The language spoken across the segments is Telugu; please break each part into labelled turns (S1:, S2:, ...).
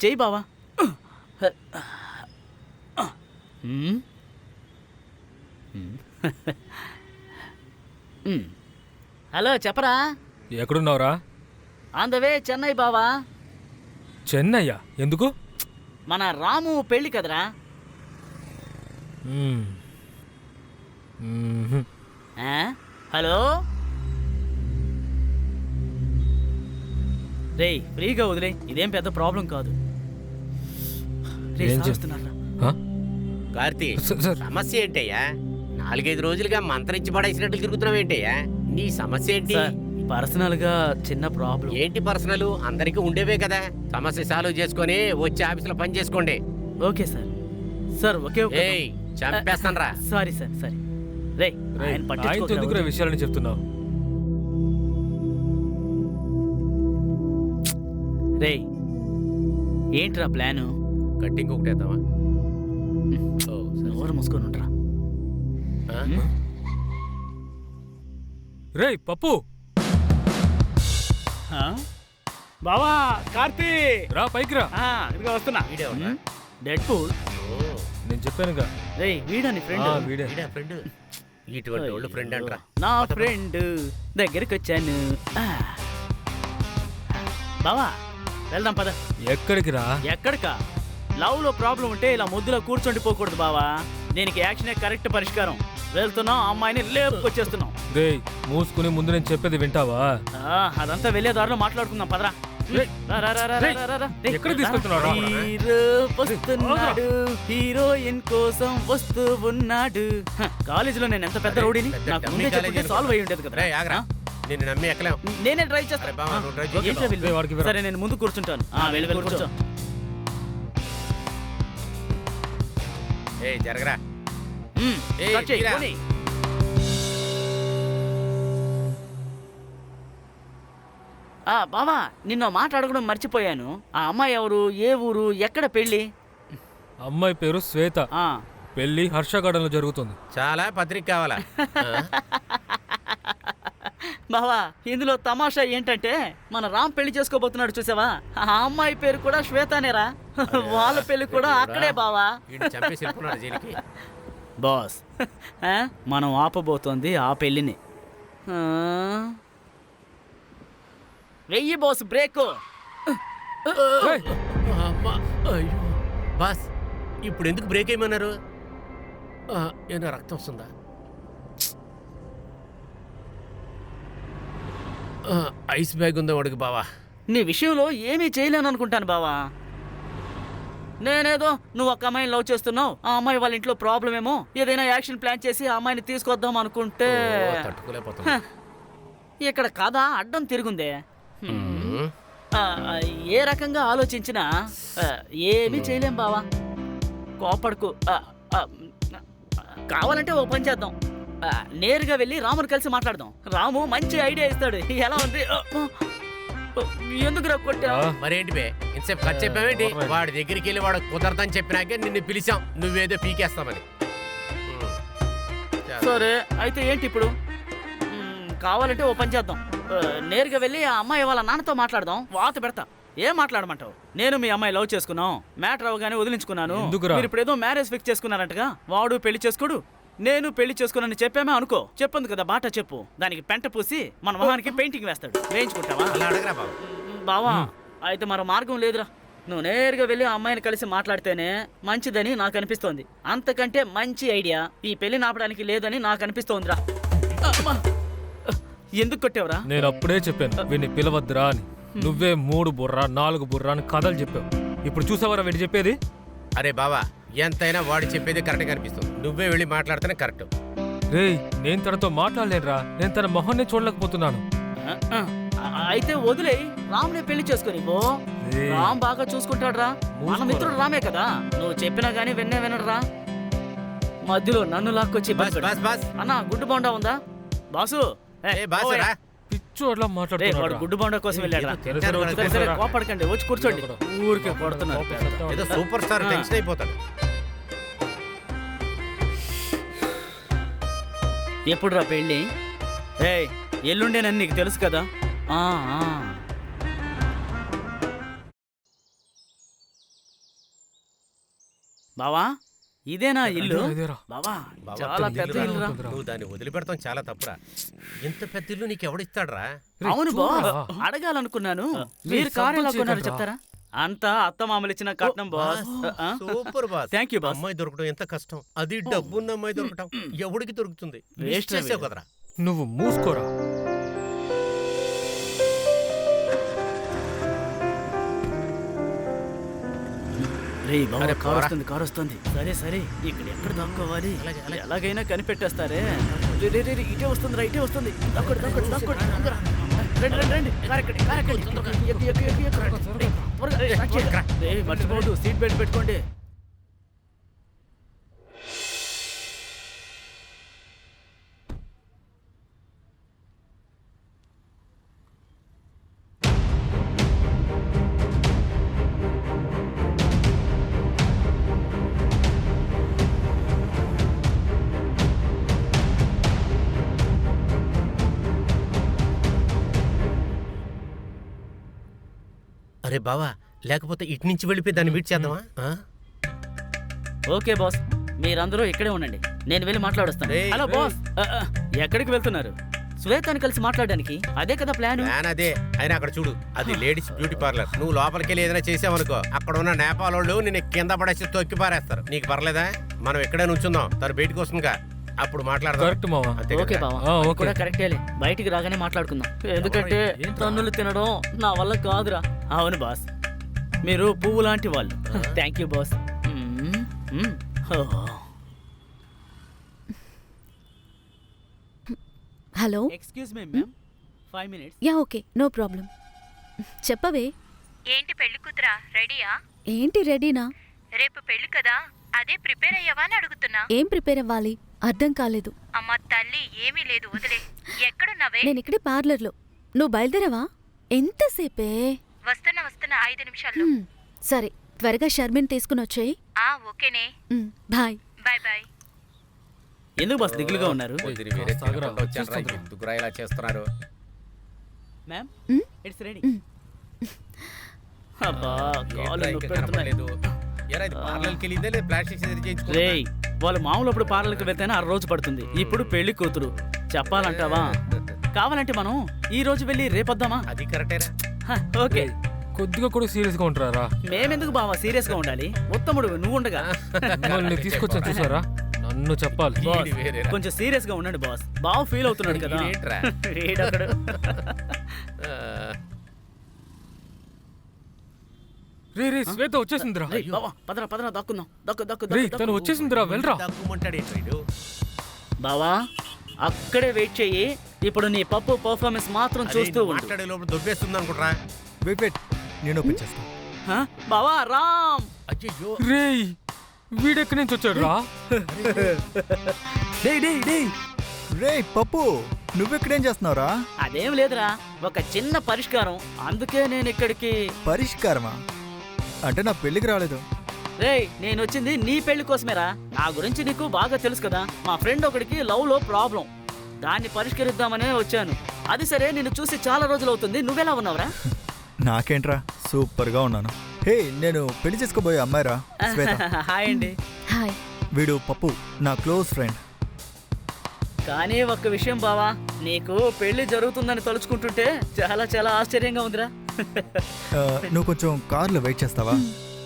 S1: చెయ్యి బావా. హలో చెప్పరా.
S2: ఎక్కడున్నావురా?
S1: ఆన్ ద వే చెన్నై బావా.
S2: చెన్నయ్యా? ఎందుకు?
S1: మన రాము పెళ్ళి కదరా. హలో రే, ఫ్రీగా వదిలే, ఇదేం పెద్ద ప్రాబ్లం కాదు.
S3: కార్తీ, సమస్య ఏంటయ్యా? 4-5 రోజులుగా మంత్రించి పడేసినట్లు తిరుగుతున్నావు ఏంటయ్యా? నీ సమస్య ఏంటి?
S1: పర్సనల్ గా చిన్న ప్రాబ్లం.
S3: ఏంటి పర్సనల్? అందరికీ ఉండేవే కదా. సమస్య సాల్వ్ చేసుకొని వచ్చి ఆఫీసులో పని చేసుకోండి.
S1: Okay sir. Sir okay.
S3: చంపేస్తాను రా.
S1: Sorry sir, sorry. రే,
S2: ఎందుకు విషయాలని చెప్తున్నావు?
S1: రే, ఏంట్రా ప్లాను?
S3: కట్టింగ్ ఒకటేద్దామా?
S1: ఎవరు మూసుకొని ఉంటారా?
S2: రే పప్పు.
S1: బావా కార్తీ,
S2: రా పైకి రా.
S1: ఇదిగా వస్తున్నా. Deadpool.
S2: నేను చెప్పానుగా.
S1: రే, వీడని ఫ్రెండ్.
S2: వీడే
S3: ఫ్రెండ్. ఇటువంటి వాళ్ళు ఫ్రెండ్ అంటారా?
S1: నా ఫ్రెండ్ దగ్గరికి వచ్చాను. బావా వెళ్దాం పద.
S2: ఎక్కడికి రా?
S1: ఎక్కడికా? లవ్ లో ప్రాబ్లం ఉంటే ఇలా ముద్దులో కూర్చోండిపోకూడదు బావా. దీనికి యాక్షనే కరెక్ట్ పరిష్కారం. వెళ్తున్నాం, అమ్మాయిని లేపుకొచ్చేస్తున్నాం.
S2: రే మూసుకుని ముందు నేను చెప్పేది వింటావా?
S1: అదంతా వెళ్ళే దారిలో మాట్లాడుకుందాం పదరా.
S2: ఎక్కడికి తీసుకెళ్తున్నాడు?
S1: హీరో వస్తున్నాడు, హీరోయిన్ కోసం వస్తూ ఉన్నాడు. కాలేజీలో నేను ఎంత పెద్ద రౌడీని నాకు ముందే చెప్పుంటే సాల్వ్ అయ్యి ఉండేది కదా.
S3: నిన్ను నమ్మి ఎక్కలేం.
S1: నేనే ట్రై చేస్తాను. సరే నేను ముందు కూర్చుంటాను. వెళ్ళి కూర్చో.
S3: జరగరా.
S1: బావా, నిన్న మాట్లాడడం మర్చిపోయాను. ఆ అమ్మాయి ఎవరు, ఏ ఊరు, ఎక్కడ పెళ్లి?
S2: అమ్మాయి పేరు శ్వేత. పెళ్లి హర్షగార్డెన్లో జరుగుతుంది.
S3: చాలా పత్రిక కావాలా?
S1: బావా, ఇందులో తమాషా ఏంటంటే మన రామ్ పెళ్లి చేసుకోబోతున్నాడు చూసావా, ఆ అమ్మాయి పేరు కూడా శ్వేతనేరా. వాళ్ళ పెళ్లి కూడా అక్కడే బావా. బాస్, మనం ఆపబోతోంది ఆ పెళ్లిని. వెయ్యి బాస్, బ్రేక్.
S3: బాస్, ఇప్పుడు ఎందుకు బ్రేక్ ఏమన్నారు? ఏమైనా రక్తం వస్తుందా? ఐస్ బ్యాగ్ ఉందా వాడికి బావా?
S1: నీ విషయంలో ఏమీ చేయలేను అనుకుంటాను బావా. నేనేదో నువ్వు ఒక అమ్మాయిని లవ్ చేస్తున్నావు, ఆ అమ్మాయి వాళ్ళ ఇంట్లో ప్రాబ్లం ఏమో, ఏదైనా యాక్షన్ ప్లాన్ చేసి ఆ అమ్మాయిని తీసుకొద్దాం అనుకుంటే ఇక్కడ కథ అడ్డం తిరుగుందే. ఏ రకంగా ఆలోచించినా ఏమీ చేయలేం బావా. కోపడుకు. కావాలంటే ఓ పని చేద్దాం, నేరుగా వెళ్ళి రాముని కలిసి మాట్లాడదాం. రాము మంచి ఐడియా ఇస్తాడు. ఎలా ఉంది? ఎందుకు కొట్టా?
S3: మరేంటి బే, ఇంతసేపు ఖర్చు చెప్పావేంటి? వాడి దగ్గరికి వెళ్ళి వాడు కుదరదని చెప్పినాకే నిన్ను పిలిచాం, నువ్వేదో పీకేస్తామని.
S1: సరే అయితే ఏంటి ఇప్పుడు? కావాలంటే ఓ పని చేద్దాం, నేరుగా వెళ్ళి ఆ అమ్మాయి వాళ్ళ నాన్నతో మాట్లాడదాం. వాత పెడతా. ఏం మాట్లాడమంటావు? నేను మీ అమ్మాయి లవ్ చేసుకున్నాం, మ్యాటర్ అవగానే వదిలించుకున్నాను. మీరు ఇప్పుడు ఏదో మ్యారేజ్ ఫిక్స్ చేసుకున్నారంటగా. వాడు పెళ్లి చేసుకోడు, నేను పెళ్లి చేసుకున్నాను చెప్పామే అనుకో. చెప్పంది కదా బాట చెప్పు, దానికి పెంట పూసి మన మొహానికి పెయింటింగ్ వేస్తాడు. వేయించుకుంటావా? బావా, అయితే మరో మార్గం లేదురా. నువ్వు నేరుగా వెళ్ళి ఆ అమ్మాయిని కలిసి మాట్లాడితేనే మంచిదని నాకు అనిపిస్తోంది. అంతకంటే మంచి ఐడియా ఈ పెళ్లి నాపడానికి లేదని నాకు అనిపిస్తోందిరా. ఎందుకు కొట్టావురా?
S2: నేను అప్పుడే చెప్పాను వీడిని పిలవద్దురా అని. నువ్వే 3 బుర్ర 4 బుర్ర అని కథలు చెప్పావు. ఇప్పుడు చూసావరా వీడు చెప్పేది?
S3: అరే బావా, ఎంతైనా వాడు చెప్పేది కరెక్ట్ అనిపిస్తుంది. నువ్వే వెళ్ళి మాట్లాడితేనే కరెక్ట్.
S2: రే, నేను తనతో మాట్లాడలేనురా. నేను తన మొహాన్ని చూడలేకపోతున్నాను.
S1: అయితే వదిలే, రామ్నే పెళ్లి చేసుకుని పో. రామ్ బాగా చూసుకుంటాడు రా. మన మిత్రుడు రామే కదా. నువ్వు చెప్పినా గానీ వినడురా. మధ్యలో నన్ను లాక్కొచ్చి అన్నా గుడ్డు బొండా ఉందా బాసు?
S2: పిచ్చు అట్లా మాట్లాడుతున్నాడు.
S1: గుడ్డు బొండా కోసం వెళ్ళాడు. కోపడకండి, వచ్చి కూర్చోండి. ఊరికే కొడుతున్నాడు.
S3: సూపర్ స్టార్ టెన్షన్ అయిపోతాడు.
S1: ఎప్పుడు రా పెళ్ళి? ఎల్లుండేనని నీకు తెలుసు కదా. బావా ఇదేనా ఇల్లు
S2: ఇదేరా.
S1: బావా
S3: బావా,
S1: చాలా
S3: పెద్ద
S1: పెద్ద
S3: ఇల్లురా.
S1: ఇల్లురా
S3: నువ్వు దాన్ని వదిలిపెడతాం చాలా తప్పురా. ఇంత పెద్ద ఇల్లు నీకు ఎవడిస్తాడ్రా?
S2: రేయ్,
S1: అవును
S2: చూడరా.
S1: బాస్ అడగాలనుకున్నాను
S2: రేయ్,
S1: మీరు కారు ఎలా
S2: సంతోష్
S1: కొన్నారు
S2: చేయకండ్రా.
S1: చెప్తారా అంతా అత్త మామలు ఇచ్చిన కట్నం boss
S3: super boss.
S1: Thank you boss
S3: అమ్మాయి దొరకడం ఎంత కష్టం. అది డబ్బున్న అమ్మాయి దొరకటం ఎవడికి దొరుకుతుంది?
S1: Waste
S3: వేస్ట్ చేసావు
S1: వీడు.
S3: కదరా.
S2: నువ్వు మూసుకోరా.
S1: రే బాబా
S3: అరే,
S1: కారు
S3: పోరా.
S1: వస్తుంది కారు వస్తుంది సరే సరే ఇక్కడ ఎక్కడ దాక్కోవాలి
S3: అలాగే, అలాగే.
S1: ఎలాగైనా కనిపెట్టేస్తారే రే, రే, రే, రే, ఇటే వస్తుంది రా ఇటే వస్తుంది దాక్కోండి దాక్కోండి దాక్కోండి తొందరగా. రండి రండి రండి కారు ఎక్కండి కారు ఎక్కండి ఎక్కు ఎక్కు ఎక్కు ఎక్కు రే, త్వరగా, రే, స్టార్ట్ చేయండి. రే, మర్చిపోవద్దు సీట్ బెల్ట్ పెట్టుకోండి
S3: అరే బావా, లేకపోతే ఇటు నుంచి వెళ్ళిపోయి దాన్ని మీట్ చేద్దామా? ఆ?
S1: ఓకే బాస్ మీరందరూ ఇక్కడే ఉండండి నేను వెళ్ళి మాట్లాడొస్తాను
S3: రేయ్,
S1: హలో
S3: రేయ్.
S1: బాస్ ఎక్కడికి వెళ్తున్నారు శ్వేతని కలిసి మాట్లాడడానికి అదే కదా ప్లాన్
S3: ప్లాన్ అదే. అయినా అక్కడ చూడు, అది లేడీస్ బ్యూటీ పార్లర్. నువ్వు లోపలికి వెళ్ళి ఏదైనా చేసావనుకో, అక్కడ ఉన్న నేపాల్ వాళ్ళు నిన్ను కింద పడేసి తొక్కి పారేస్తారు. నీకు పర్లేదా? మనం ఇక్కడే నుంచుందాం, తను బయటకు వస్తుందిగా, అప్పుడు మాట్లాడదాం.
S2: కరెక్ట్ మావా.
S3: అంతే
S1: ఓకే
S3: కదా?
S1: బావా
S2: ఆ,
S1: అది
S2: ఓకే.
S1: కూడా కరెక్టేలే బయటికి రాగానే మాట్లాడుకుందాం ఎందుకంటే తన్నులు తినడం నా వల్ల కాదురా అవును బాస్ మీరు పువ్వు లాంటి వాళ్ళు thank you boss
S4: hello
S1: excuse me ma'am 5 minutes
S4: yeah okay no problem చెప్పవే
S5: ఏంటి పెళ్లి కూతురా రెడీయా?
S4: ఏంటి రెడీనా
S5: రేపు పెళ్లి కదా, అదే ప్రిపేర్ అయ్యావా అని అడుగుతున్నా.
S4: ఏం ప్రిపేర్ అవ్వాలి అర్థం కాలేదు
S5: అమ్మ తల్లి ఏమీ లేదు, వదిలే. ఎక్కడున్నావే?
S4: నేను ఇక్కడే పార్లర్లో నువ్వు బయలుదేరావా ఎంతసేపే
S5: వస్తున్నా వస్తున్నా 5 నిమిషాల్లో.
S4: సరే త్వరగా షర్మిన్ తీసుకుని వచ్చేయి
S5: ఓకేనే,
S4: బాయ్
S5: బాయ్ బాయ్.
S1: ఎందుకు బాస్ దిగులుగా ఉన్నారు
S3: పొద్దున వేరే
S2: సాగరా,
S3: తినకుండా వచ్చానురా,
S2: వచ్చేస్తుందిరా.
S3: ఎందుకురా ఇలా చేస్తున్నారు?
S1: Ma'am
S4: hmm?
S1: It's ready
S4: hmm.
S1: అబ్బా కాళ్ళు
S3: ఏంట్రా ఇంకా
S1: నొప్పి పెడుతున్నాయి
S3: కనపడలేదు? ఎరా, ఇది పార్లర్కి వెళ్ళిందా లేదా ప్లాస్టిక్ సర్జరీ చేయించుకుందా?
S1: రేయ్ వాళ్ళు మామూలు అప్పుడు పార్లర్కి వెళ్తేనే 6 రోజు పడుతుంది ఇప్పుడు పెళ్లి కూతురు చెప్పాలంటావా కావాలంటే మనం ఈ రోజు వెళ్ళి రేపొద్దామా
S3: అది కరెక్టేరా.
S1: ఓకే
S2: కొద్దిగా కూడా సీరియస్ గా ఉంటారా?
S1: మేమెందుకు బావా సీరియస్ గా ఉండాలి ఉత్తముడు నువ్వు ఉండగా
S2: మిమ్మల్ని తీసుకొచ్చాను చూసారా? నన్ను చెప్పాలి.
S1: బాస్,
S3: ఈడు వేరేరా.
S1: కొంచెం సీరియస్ గా ఉండండి బాస్ బాగా ఫీల్ అవుతున్నాడు కదా
S3: ఈడేంట్రా?
S1: ఈడొకడు.
S3: ఆ,
S2: రే రే శ్వేత వచ్చేసిందిరా.
S1: రేయ్, బావా పదరా పదరా దాక్కుందాం దక్కు దక్కు
S2: రే
S1: దక్కు,
S2: తను
S1: దక్కు.
S2: వచ్చేసిందిరా వెళ్ళరా.
S3: దక్కుమంటాడు ఏంట్రా ఈడు?
S1: బావా అక్కడే వెయిట్ చెయ్యి ఇప్పుడు నీ పప్పు పర్ఫార్మెన్స్ మాత్రం
S3: అరే,
S1: చూస్తూ
S3: నువ్వు
S1: ఉండు
S3: మాట్లాడే లోపల దొబ్బేస్తుంది అనుకుంటా.
S6: వెయిట్ నేను ఓపెన్ చేస్తాను.
S1: హ? బావా రామ్
S3: అయ్యో,
S2: రేయ్ వీడెక్కడి నుంచి వచ్చాడు రా?
S6: రే పప్పు నువ్వెక్కడేం చేస్తున్నావురా?
S1: అదేం లేదురా ఒక చిన్న పరిష్కారం అందుకే నేను ఇక్కడికి
S6: పరిష్కారమా? అంటే నా పెళ్ళికి రాలేదు.
S1: రేయ్ నేను వచ్చింది నీ పెళ్లి కోసమేరా నా గురించి నీకు బాగా తెలుసు కదా మా ఫ్రెండ్ ఒకడికి లవ్ లో ప్రాబ్లం దాన్ని పరిష్కరిద్దామనే వచ్చాను అది సరే నిన్ను చూసి చాలా రోజులు అవుతుంది నువ్వెలా ఉన్నావురా
S6: నాకేంట్రా సూపర్ గా ఉన్నాను. హే నేను పెళ్లి చేసుకోబోయే అమ్మాయిరా శ్వేత.
S1: హాయ్ అండి
S4: హాయ్
S6: వీడు పప్పు నా క్లోజ్ ఫ్రెండ్.
S1: కానీ ఒక్క విషయం బావా నీకు పెళ్లి జరుగుతుందని తలుచుకుంటుంటే చాలా చాలా ఆశ్చర్యంగా ఉందిరా
S6: నువ్వు కొంచెం కార్లో వెయిట్ చేస్తావా?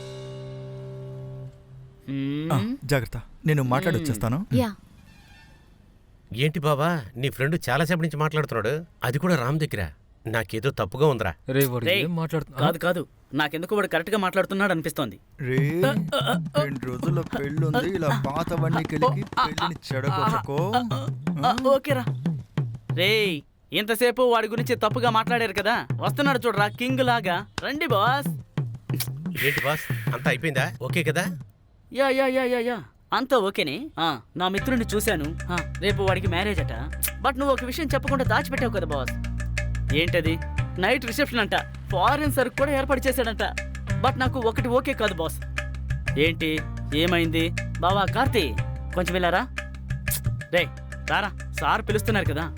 S6: ఆ, జాగ్రత్త నేను మాట్లాడొచ్చేస్తాను.
S4: యా
S3: ఏంటి బాబా, నీ ఫ్రెండ్ చాలాసేపు నుంచి మాట్లాడుతున్నాడు, అది కూడా రామ్ దగ్గర. నాకేదో తప్పుగా ఉందిరా.
S2: రే వాడు
S1: రేయ్,
S2: ఏం మాట్లాడుతున్నా?
S1: కాదు కాదు నాకెందుకు వాడు కరెక్ట్ గా మాట్లాడుతున్నాడు అనిపిస్తోంది
S6: రే 2 రోజుల్లో పెళ్ళుంది, ఇలా పాతవన్నీ కలిగి పెళ్ళిని చెడగొట్టుకో.
S1: ఓకేరా రేయ్ ఇంతసేపు వాడి గురించి తప్పుగా మాట్లాడారు కదా వస్తున్నాడు చూడరా కింగ్ లాగా రండి బాస్
S3: ఏంటి బాస్, అంతా అయిపోయిందా? ఓకే కదా?
S1: Yeah yeah yeah yeah yeah అంతా ఓకేనే నా మిత్రుడిని చూశాను రేపు వాడికి మ్యారేజ్ అట బట్ నువ్వు ఒక విషయం చెప్పకుండా దాచిపెట్టావు కదా బాస్ ఏంటది నైట్ రిసెప్షన్ అంట ఫారెన్ సరుకు కూడా ఏర్పాటు చేశాడంట బట్ నాకు ఒకటి ఓకే కాదు బాస్ ఏంటి ఏమైంది బావా కార్తీ కొంచెం వెళ్ళారా రే రారా సార్ పిలుస్తున్నారు కదా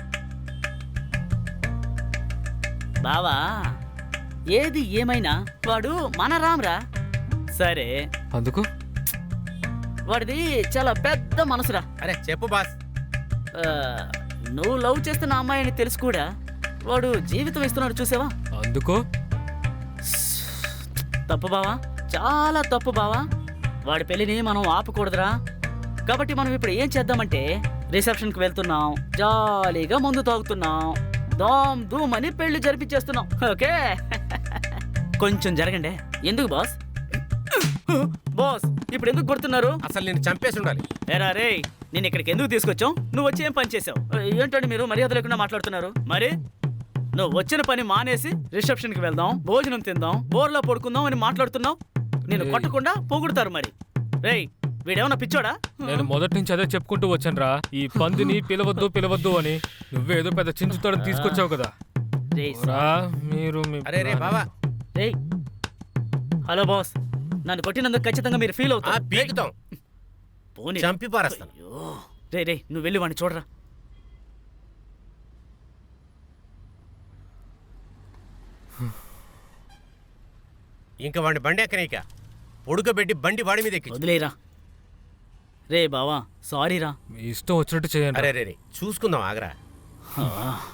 S1: బావా ఏది ఏమైనా వాడు మన రామ్రా సరే
S2: అందుకు
S1: వాడిది చాలా పెద్ద మనసురా.
S3: అరే చెప్పు బాస్.
S1: ఆ, నువ్వు లవ్ చేస్తున్న అమ్మాయిని తెలుసు కూడా వాడు జీవితం ఇస్తున్నాడు చూసావా?
S2: అందుకో
S1: తప్పు బావా, చాలా తప్పు బావా. వాడి పెళ్లిని మనం ఆపకూడదురా. కాబట్టి మనం ఇప్పుడు ఏం చేద్దామంటే రిసెప్షన్కి వెళ్తున్నాం, జాలీగా మందు తాగుతున్నాం, దామ్ ధూమ్ అని పెళ్లి జరిపించేస్తున్నాం. ఓకే కొంచెం జరగండి. ఎందుకు బాస్? బాస్ ఇప్పుడు ఎందుకు కొడుతున్నారు?
S3: అసలు నేను చంపేసి ఉండాలి.
S1: ఏరా రే, నేను ఇక్కడికి ఎందుకు తీసుకొచ్చావు? నువ్వు వచ్చి ఏం పని చేసావు? ఏంటంటే మీరు మర్యాద లేకుండా మాట్లాడుతున్నారు. మరి నువ్వు వచ్చిన పని మానేసి రిసెప్షన్కి వెళ్దాం, భోజనం తిందాం, బోర్లో పడుకుందాం అని మాట్లాడుతున్నావు. నేను కొట్టకుండా పొగుడుతారు. మరి రేయ్, వీడేమన్నా పిచ్చోడా?
S2: నేను మొదటి నుంచి అదే చెప్పుకుంటూ వచ్చానురా, ఈ పందిని పిలవద్దు పిలవద్దు అని. నువ్వేదో పెద్ద చించుతాడని తీసుకొచ్చావు కదా.
S1: రేయ్,
S2: రా, మీరు
S3: అరే రే బావా.
S1: రేయ్, హలో బాస్, నన్ను కొట్టినందుకు ఖచ్చితంగా మీరు ఫీల్
S3: ఆ
S1: అవుతారు.
S3: పీకుతాం,
S1: పోనీ.
S3: చంపి పారేస్తాను.
S1: అయ్యో. రే రే, నువ్వు వెళ్ళి వాడిని చూడరా.
S3: ఇంకా వాడిని బండి ఎక్కనీక ఉడకబెట్టి బండి వాడి మీద ఎక్కి.
S1: వదిలేరా. రే బావా, సారీ రా.
S2: మీ ఇష్టం వచ్చినట్టు చేయండి.
S3: అరే రే రే, చూసుకుందాం ఆగరా.
S1: ఆ.